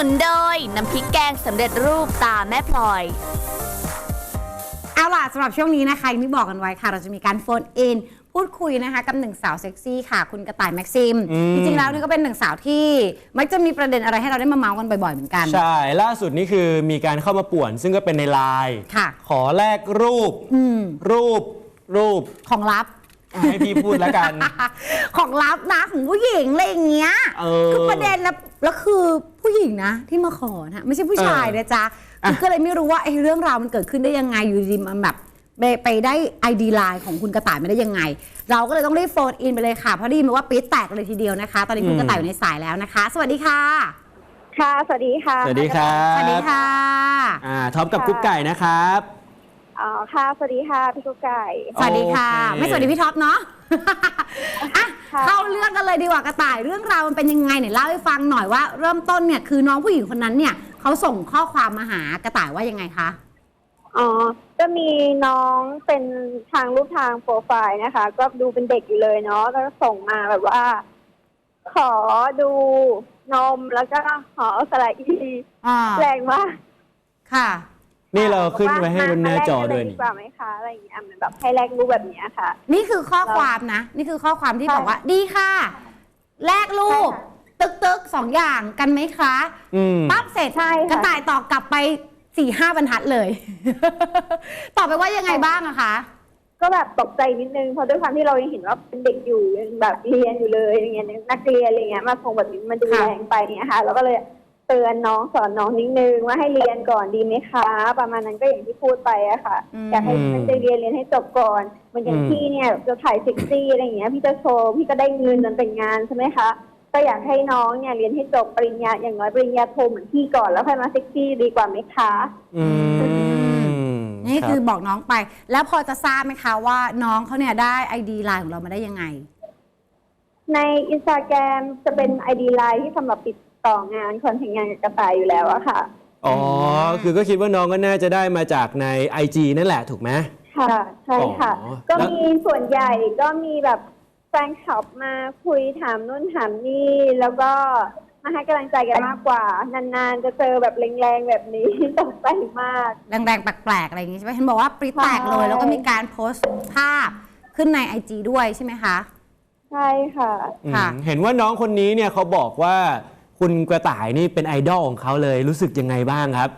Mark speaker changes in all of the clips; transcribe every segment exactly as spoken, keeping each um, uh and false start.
Speaker 1: นุนโดยน้ำพริกแกงสำเร็จรูปตาแม่พลอย
Speaker 2: เอาล่ะสำหรับช่วงนี้นะคะอย่างที่บอกกันไว้ค่ะเราจะมีการโฟนอินพูดคุยนะคะกับหนึ่งสาวเซ็กซี่ค่ะคุณกระต่ายแม็กซิมจริงๆแล้วนี่ก็เป็นหนึ่งสาวที่มักจะมีประเด็นอะไรให้เราได้มาเมาส์กันบ่อยๆเหมือนกัน
Speaker 3: ใช่ล่าสุดนี้คือมีการเข้ามาป่วนซึ่งก็เป็นในไลน์ขอแลกรูปรูปรูป
Speaker 2: ของลับ
Speaker 3: ให้พี่พูดแล้วกัน
Speaker 2: ของลับนะของผู้หญิงอะไรอย่างเงี้ยคือประเด็นแล้วแล้วคือผู้หญิงนะที่มาขอนะไม่ใช่ผู้ชายนะจ๊ะก็เลยไม่รู้ว่าไอ้เรื่องราวมันเกิดขึ้นได้ยังไงอยู่ดีมันแบบไปได้ไอดีไลน์ของคุณกระต่ายมาได้ยังไงเราก็เลยต้องรีบโฟนอินไปเลยค่ะเพราะได้ยินมาว่าปี๊ดแตกเลยทีเดียวนะคะตอนนี้คุณกระต่ายอยู่ในสายแล้วนะคะสวัสดีค่ะ
Speaker 4: ค่ะสวัสดีค่ะ
Speaker 3: สวัสดีครับ
Speaker 2: สวัสดีค่ะ
Speaker 3: อ่าท็อปกับกุ๊กไก่นะครับ
Speaker 4: อ๋อค่ะสวัสดีค่ะพี่กุ๊กไก่
Speaker 2: สวัสดีค่ะไม่สวัสดีพี่ท็อปเนาะอ่ะเข้าเรื่องกันเลยดีกว่ากระต่ายเรื่องราวมันเป็นยังไงเนี่ยเล่าให้ฟังหน่อยว่าเริ่มต้นเนี่ยคือน้องผู้หญิงคนนั้นเนี่ยเขาส่งข้อความมาหากระต่ายว่ายังไงคะ
Speaker 4: อ๋อก็มีน้องเป็นทางรูปทางโปรไฟล์นะคะก็ดูเป็นเด็กอยู่เลยเนาะแล้วก็ส่งมาแบบว่าขอดูนมแล้วก็ขอสไลด์อีแรงมาก
Speaker 2: ค่ะ
Speaker 3: นี่เราขึ้นไว้ให้บนหน้าจอด้วย
Speaker 4: นี่ดีกว่าไหมคะอะไรอย่างเงี้ยมันแบบให้แลกรูปแบบนี้ค่ะ
Speaker 2: นี่คือข้อความนะนี่คือข้อความที่บอกว่าดีค่ะแลกรูปตึกตึกสองอย่างกันไหมคะปั๊บเสร็จกระต่ายตอบกลับไปสี่ห้าบรรทัดเลยตอบไปว่ายังไงบ้างอะคะ
Speaker 4: ก็แบบตกใจนิดนึงเพราะด้วยความที่เรายังเห็นว่าเป็นเด็กอยู่ยังแบบเรียนอยู่เลยอย่างเงี้ยนักเรียนอะไรเงี้ยมาส่งแบบนี้มันดูแรงไปเนี่ยค่ะแล้วก็เลยเตือนน้องสอนน้องนิดนึงว่าให้เรียนก่อนดีไหมคะประมาณนั้นก็อย่างที่พูดไปอะค่ะอยากให้มันจะเรียนเรียนให้จบก่อนเหมือนอย่างพี่เนี่ยจะถ่ายเซ็กซี่อะไรอย่างเงี้ยพี่จะโชว์พี่ก็ได้เงินจนแต่งงานใช่ไหมคะก็อยากให้น้องเนี่ยเรียนให้จบปริญญาอย่างน้อยปริญญาโทเหมือนพี่ก่อนแล้วค่อยมาเซ็กซี่ดีกว่าไหมคะ
Speaker 3: อืม
Speaker 2: นี่คือบอกน้องไปแล้วพอจะทราบไหมคะว่าน้องเขาเนี่ยได้ไอดีไลน์ของเรามาได้ยังไง
Speaker 4: ในอินสตาแกรมจะเป็นไอดีไลน์ที่สำหรับติดต่องานคอนเทนต์งานกับกระต่ายอยู่แล้วอะค่ะ
Speaker 3: อ๋อคือก็คิดว่าน้องก็น่าจะได้มาจากใน ไอ จี นั่นแหละถูกไหม
Speaker 4: ค่ะใช่ค่ะก็มีส่วนใหญ่ก็มีแบบแฟนคลับมาคุยถามนู่นถามนี่แล้วก็มาให้กำลังใจกันมากกว่านานๆจะเจอแบบแรงๆแบบนี้ตกใจมาก
Speaker 2: แรงๆแปลกๆอะไรอย่างนี้ใช่ไหมเห็นบอกว่าปริ๊ดแตกเลยแล้วก็มีการโพสต์ภาพขึ้นใน ไอ จี ด้วยใช่ไหมคะ
Speaker 4: ใช่ค่ะ
Speaker 3: ค่ะเห็นว่าน้องคนนี้เนี่ยเขาบอกว่าคุณกระต่ายนี่เป็นไอดอลของเขาเลยรู้สึกยังไงบ้างครับ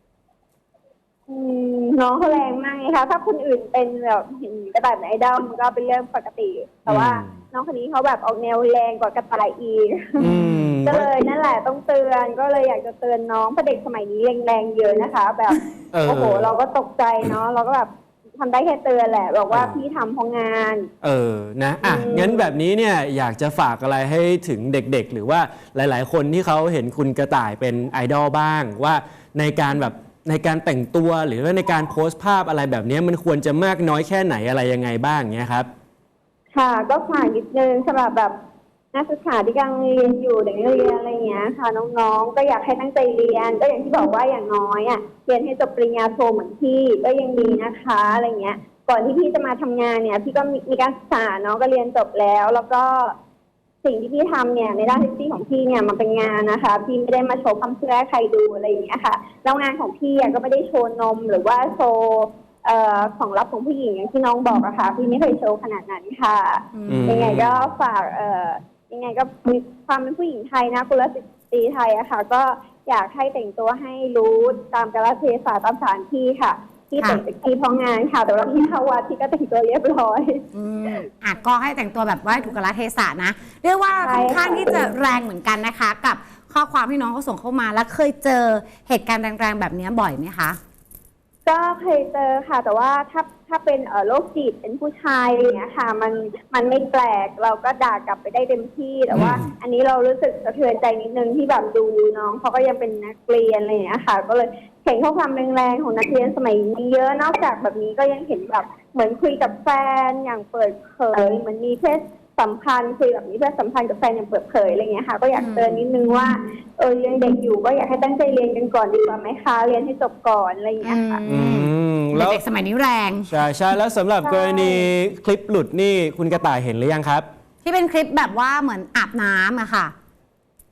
Speaker 4: น้องเขาแรงมากไงคะถ้าคนอื่นเป็นแบบเห็นกระต่ายเป็นไอดอลมันก็เป็นเรื่องปกติแต่ว่าน้องคนนี้เขาแบบออกแนวแรงกว่ากระต่ายอีกก็เลยนั่นแหละต้องเตือนก็เลยอยากจะเตือนน้องเพราะเด็กสมัยนี้แรงๆเยอะนะคะแบบโอ้โหเราก็ตกใจเนาะเราก็แบบทำได้แค่เตือนแหละบอกว่าพี่ทำเพราะงาน
Speaker 3: เออนะอ่ะงั้นแบบนี้เนี่ยอยากจะฝากอะไรให้ถึงเด็กๆหรือว่าหลายๆคนที่เขาเห็นคุณกระต่ายเป็นไอดอลบ้างว่าในการแบบในการแต่งตัวหรือว่าในการโพสต์ภาพอะไรแบบนี้มันควรจะมากน้อยแค่ไหนอะไรยังไงบ้างเงี้ยครับ
Speaker 4: ค่ะก็ฝากนิดนึงสำหรับแบบนักศึกษาที่กำลังเรียนอยู่เด็กนักเรียนอะไรเงี้ยค่ะน้องๆก็อยากให้ตั้งใจเรียนก็อย่างที่บอกว่าอย่างน้อยอ่ะเรียนให้จบปริญญาโทเหมือนพี่ก็ยังดีนะคะอะไรเงี้ยก่อนที่พี่จะมาทำงานเนี่ยพี่ก็มีการศึกษาเนาะก็เรียนจบแล้วแล้วก็สิ่งที่พี่ทำเนี่ยในด้านเซ็กซี่ของพี่เนี่ยมันเป็นงานนะคะพี่ไม่ได้มาโชว์ความเชื่อใครดูอะไรอย่างเงี้ยค่ะแล้วงานของพี่ก็ไม่ได้โชว์นมหรือว่าโชว์เอ่อของลับของผู้หญิงอย่างที่น้องบอกอะค่ะพี่ไม่เคยโชว์ขนาดนั้นค่ะยังไงก็ฝากเอ่อยังไงก็มีความเป็นผู้หญิงไทยนะกุลสตรีไทยอะค่ะก็อยากให้แต่งตัวให้รู้ตามกาลเทศะตามสถานที่ค่ะที่แต่งเซ็กซี่เพราะงานค่ะแต่ว่าที่เข้าวัดที่ก็แต่งตัวเรียบร้อย
Speaker 2: อืมอ่ะก็ให้แต่งตัวแบบว่าถูกกาลเทศะนะเรียกว่าค่อนข้างที่จะแรงเหมือนกันนะคะกับข้อความที่น้องเขาส่งเข้ามาแล้วเคยเจอเหตุการณ์แรงๆแบบนี้บ่อยไหมคะ
Speaker 4: ก็เคยเจอค่ะแต่ว่าถ้าถ้าเป็นเอ่อโรคจิตเป็นผู้ชายอะไรอย่างเงี้ยค่ะมันมันไม่แปลกเราก็ด่ากลับไปได้เต็มที่แต่ว่าอันนี้เรารู้สึกสะเทือนใจนิดนึงที่แบบดูน้องเขาก็ยังเป็นนักเรียนอะไรอย่างเงี้ยค่ะก็เลยเห็นข้อความแรงๆของนักเรียนสมัยนี้เยอะนอกจากแบบนี้ก็ยังเห็นแบบเหมือนคุยกับแฟนอย่างเปิดเผยเหมือนมีเพศสัมพันธ์คุยแบบนี้เพื่อสัมพันธ์กับแฟนอย่างเปิดเผยอะไรเงี้ยค่ะก็อยากเตือนนิดนึงว่าเออยังเด็กอยู่ก็อยากให้ตั้งใจเรียนกันก่อนดีกว่าไหมคะเรียนให้จบก่อนอะไรอย่างเงี้ยค่ะ
Speaker 2: เด็กสมัยนี้แรง
Speaker 3: ใช่ใช่แล้วสำหรับกรณีคลิปหลุดนี่คุณกระต่ายเห็นหรือยังครับ
Speaker 2: ที่เป็นคลิปแบบว่าเหมือนอาบน้ำอะค่ะ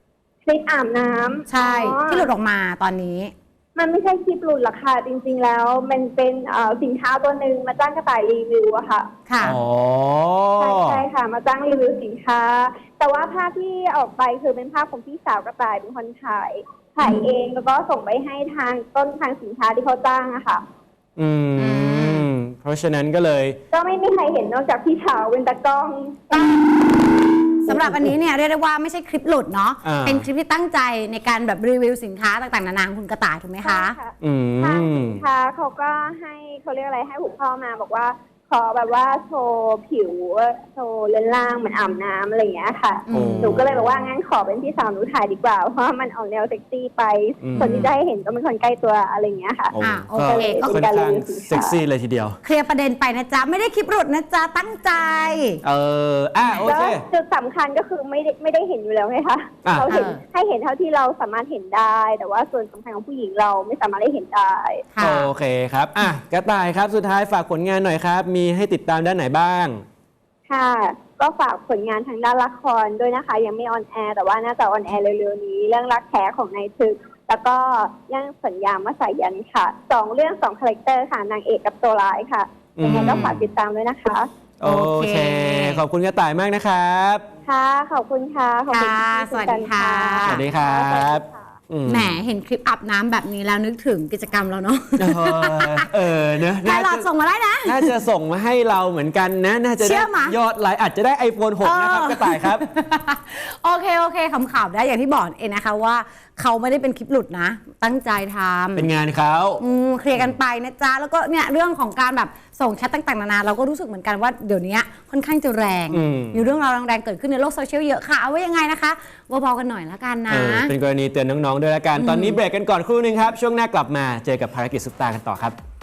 Speaker 4: คลิปอาบน้ำ
Speaker 2: ใช่
Speaker 4: อ๋อ
Speaker 2: ที่หลุดออกมาตอนนี้
Speaker 4: มันไม่ใช่คลิปหลุดหรอกค่ะจริงๆแล้วมันเป็นเอ่อสินค้าตัวหนึ่งมาจ้างกระต่ายรีวิวอะค่ะ
Speaker 2: ค่ะ
Speaker 3: อ๋อ
Speaker 4: ใช่ใช่ค่ะ มาจ้างรีวิวสินค้า แต่ว่าภาพที่ออกไปคือเป็นภาพของพี่สาวกระต่ายเป็นคนถ่ายถ่ายเองแล้วก็ส่งไปให้ทางต้นทางสินค้าที่เขาจ้างอะค่ะ
Speaker 3: อืม เพราะฉะนั้นก็เลย
Speaker 4: ก็ไม่มีใครเห็นนอกจากพี่สาวเป็นตากล้อง
Speaker 2: สำหรับอันนี้เนี่ยเรียกได้ว่าไม่ใช่คลิปหลุดเนาะ
Speaker 3: อ่า
Speaker 2: เป็นคลิปที่ตั้งใจในการแบบรีวิวสินค้าต่างๆนานาของคุณกระต่ายถูกไหมคะ
Speaker 4: ใช่
Speaker 3: อื
Speaker 4: ทาง
Speaker 3: ม
Speaker 4: สินค้าเขาก็ให้เขาเรียกอะไรให้หุบพ่อมาบอกว่าขอแบบว่าโชว์ผิวโชว์เรือนร่างเหมือนอาบน้ำอะไรอย่างเงี้ยค่ะ
Speaker 2: อืม
Speaker 4: หนูก็เลยบอกว่างั้นขอเป็นพี่สาวหนูถ่ายดีกว่าเพราะว่ามันออกแนวเซ็กซี่ไป
Speaker 3: อืม
Speaker 4: คนที่จะให้เห็นก็เป็นคนใกล้ตัวอะไรอย่างเงี้ยค่ะ
Speaker 3: โอ้
Speaker 2: อ่ะโอ
Speaker 3: ก็
Speaker 2: เคก็
Speaker 3: ค่อนข้างเซ็กซี่เลยทีเดียว
Speaker 2: เคลียร์ประเด็นไปนะจ๊ะ ไม่ได้คลิปหลุดนะจ๊ะ ตั้งใจ
Speaker 3: เออ อ่ะโอ
Speaker 4: แล้ว
Speaker 3: เค
Speaker 4: จุดสำคัญก็คือไม่ได้ไม่ได้เห็นอยู่แล้วไงคะ
Speaker 3: อ่ะ
Speaker 4: เราเห็น
Speaker 2: เออ
Speaker 4: ให้เห็นเท่าที่เราสามารถเห็นได้ แต่ว่าส่วนสำคัญของผู้หญิงเราไม่สามารถได้เห็นได้
Speaker 2: ค่ะ
Speaker 3: โอเคครับ อ่ะ กระต่ายครับ สุดท้ายฝากผลงานหน่อยครับ มีให้ติดตามด้านไหนบ้าง
Speaker 4: ค่ะ ก็ฝากผลงานทางด้านละครด้วยนะคะ ยังไม่ออนแอร์แต่ว่าน่าจะออนแอร์เร็วๆนี้ เรื่องรักแท้ของนายทึก แล้วก็เรื่องสัญญามาสายันค่ะสองเรื่องสองคาแรคเตอร์ค่ะนางเอกกับตัวร้ายค่ะยังไงก็ฝากติดตามด้วยนะคะ
Speaker 3: โอเค ขอบคุณกระต่ายมากนะครับ
Speaker 4: ค่ะ ขอบคุณค่ะ ขอบคุณ
Speaker 2: ค่ะ
Speaker 4: ที่
Speaker 2: สวัสดี
Speaker 4: คุยกัน
Speaker 2: ค่ะ
Speaker 3: สวัสดีครับ อืม
Speaker 2: แหมเห็นคลิปอาบน้ำแบบนี้แล้วนึกถึงกิจกรรมเราเนาะ
Speaker 3: เออเออเนอะ
Speaker 2: ไลน์หลอดส่งมาได้นะ
Speaker 3: น่าจะส่งมาให้เราเหมือนกันนะ น่าจะ
Speaker 2: เชื่
Speaker 3: ได้
Speaker 2: อมะ
Speaker 3: ยอดไลค์อาจจะได้ ไอโฟนหก นะครับ กระต่ายครับ
Speaker 2: โอเค โอเคขำๆได้อย่างที่บอกเองนะคะว่าเขาไม่ได้เป็นคลิปหลุดนะ ตั้งใจทำ
Speaker 3: เป็นงานเขา
Speaker 2: อืมเคลียร์กันไปนะจ๊ะ แล้วก็เนี่ยเรื่องของการแบบส่งแชทต่างๆนานาเราก็รู้สึกเหมือนกันว่าเดี๋ยวนี้ค่อนข้างจะแรง
Speaker 3: อืม
Speaker 2: มีเรื่องราวแรงๆเกิดขึ้นในโลกโซเชียลเยอะค่ะ เอาไว้ยังไงนะคะเบาๆกันหน่อยละกันนะ
Speaker 3: เออเป็นกรณีเตือนน้อง ๆ ด้วยละกัน ตอนนี้เบรกกันก่อนครู่หนึงครับ ช่วงหน้ากลับมาเจอกับภารกิจซุปตากันต่อครับ